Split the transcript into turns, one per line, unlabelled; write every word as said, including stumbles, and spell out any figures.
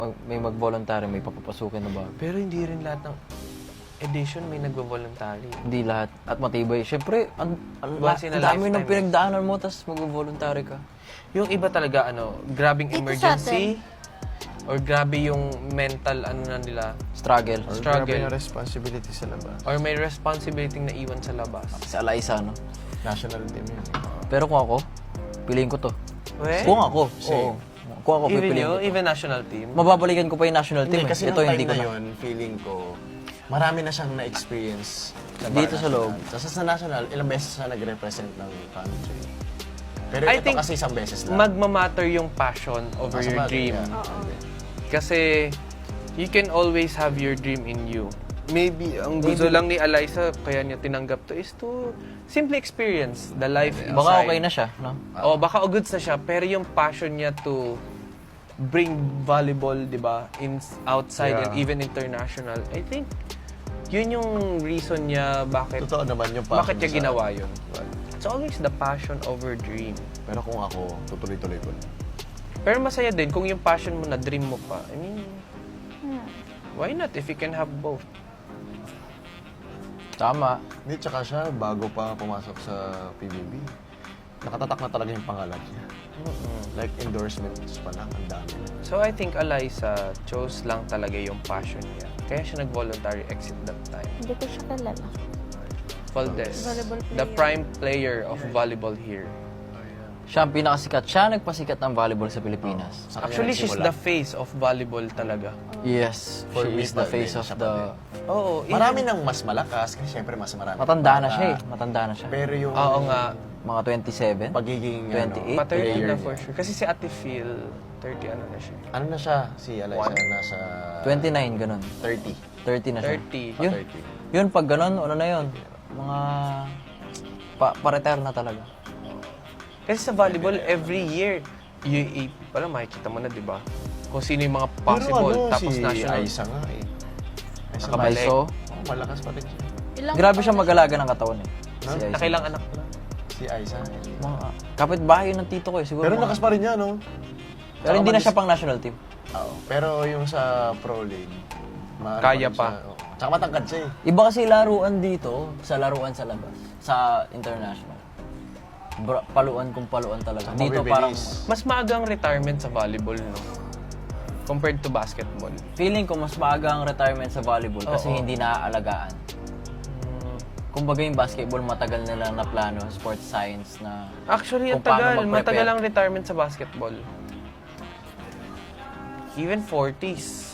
mag, may mag-voluntary, may papapasukin na ba?
Pero hindi rin lahat ng edition may nagvo-voluntary.
Hindi lahat. At matibay. Siyempre, ang, ang,
Once in a
ang dami
lifetime
ng pinagdaanan mo, tapos mag-voluntary ka.
Yung iba talaga, ano, grabing
Dito sa
emergency, or grabe yung mental, ano na nila,
Struggle.
Or
Struggle.
grabe yung responsibility sa labas.
or may responsibility na iwan sa labas.
Si Alaisa, no?
National team yun. eh.
Pero kung ako, piliin ko to.
Well,
Kung ako, oo. Kung ako,
even
pipiliin
you,
ko to.
even national team.
Mababalikan ko pa yung national team.
Hindi,
eh.
kasi
Ito,
nung
hindi
time
ko
na
na.
yun, feeling ko, marami na siyang na-experience. na
Dito
para
sa loob.
national. Tapos sa national, ilang beses siya nag-represent ng country. Pero
I
ito
think
kasi isang beses lang.
Magmamatter yung passion over
Ah, sa
your
bagay,
dream.
yeah.
Oo.
Kasi you can always have your dream in you. Maybe ang gusto
Maybe.
lang ni Eliza kaya niya tinanggap to is to simply experience the life inside.
Baka okay na siya, no?
Oh, baka goods na siya, pero yung passion niya to bring volleyball, 'di ba, in outside and
Yeah.
even international. I think yun yung reason niya bakit
Totoo naman yung passion
bakit niya
sa-
ginawa yun. It's always the passion over dream.
Pero kung ako, tutuloy-tuloy ko na.
Pero masaya din kung yung passion mo na dream mo pa. I mean,
Hmm.
why not if you can have both?
Tama.
Hindi, tsaka siya, bago pa pumasok sa P B B, nakatatak na talaga yung pangalan niya. Like, endorsements pa lang, ang dami.
So I think Eliza chose lang talaga yung passion niya. Kaya siya nag-voluntary exit that time.
Hindi ko siya kilala.
Valdez,
Volleyball
the
player.
prime player of volleyball here.
Siya ang pinakasikat. Siya ang nagpasikat ng volleyball sa Pilipinas.
Sa kanya
Actually, she's
nagsimula.
the face of volleyball talaga.
Yes.
For
She
me,
is the
pa-
face
din,
of
siya pa
the...
Oo. even-
Marami nang mas malakas, kasi syempre mas marami.
Matanda na
Bata.
siya eh. Matanda na siya.
Pero yung
Oo nga.
Mga twenty-seven.
pagiging
twenty-eight,
ano,
Pa-thirty
player
na
niya.
for sure. Kasi si Ate Phil, thirty ano na siya.
Ano na siya, si Eliza,
One.
nasa
twenty-nine, ganun.
thirty.
thirty na siya.
thirty.
Pa
Yun,
thirty.
yun pag ganun, ano na yun? Mga... Pa, pa-retire na talaga.
Kasi sa volleyball, every year, U A P, parang makikita mo na, di ba? Kung sino yung mga possible,
Pero ano,
tapos
si
national.
Aiza nga eh. Aiza
Nakabalik.
So,
Oh, malakas pa rin siya.
Ilang
grabe
taon
siya
na
mag-alaga ng katawan eh.
No?
Si Aiza.
Nakailang anak na.
Si Aiza.
Mga kapitbahay ng tito ko eh. Siguro
Pero
mga-
lakas pa rin niya, no?
Pero hindi na siya pang national team.
Oo. Pero yung sa Pro League, maano
Kaya
rin
pa.
siya, oo. Tsaka matangkad siya eh.
Iba kasi laruan dito sa laruan sa labas. Sa international. Bra- paluan kung paluan talaga.
Tsaka
Dito
mabibilis.
parang...
Mas maagang retirement sa volleyball, no? Compared to basketball.
Feeling ko mas maaga ang retirement sa volleyball kasi
Oo.
hindi naaalagaan. Kumbaga yung basketball, matagal na lang na plano, sports science na...
Actually, ang
Kung paano
tagal.
mag-prepare.
Matagal ang retirement sa basketball. Even forties.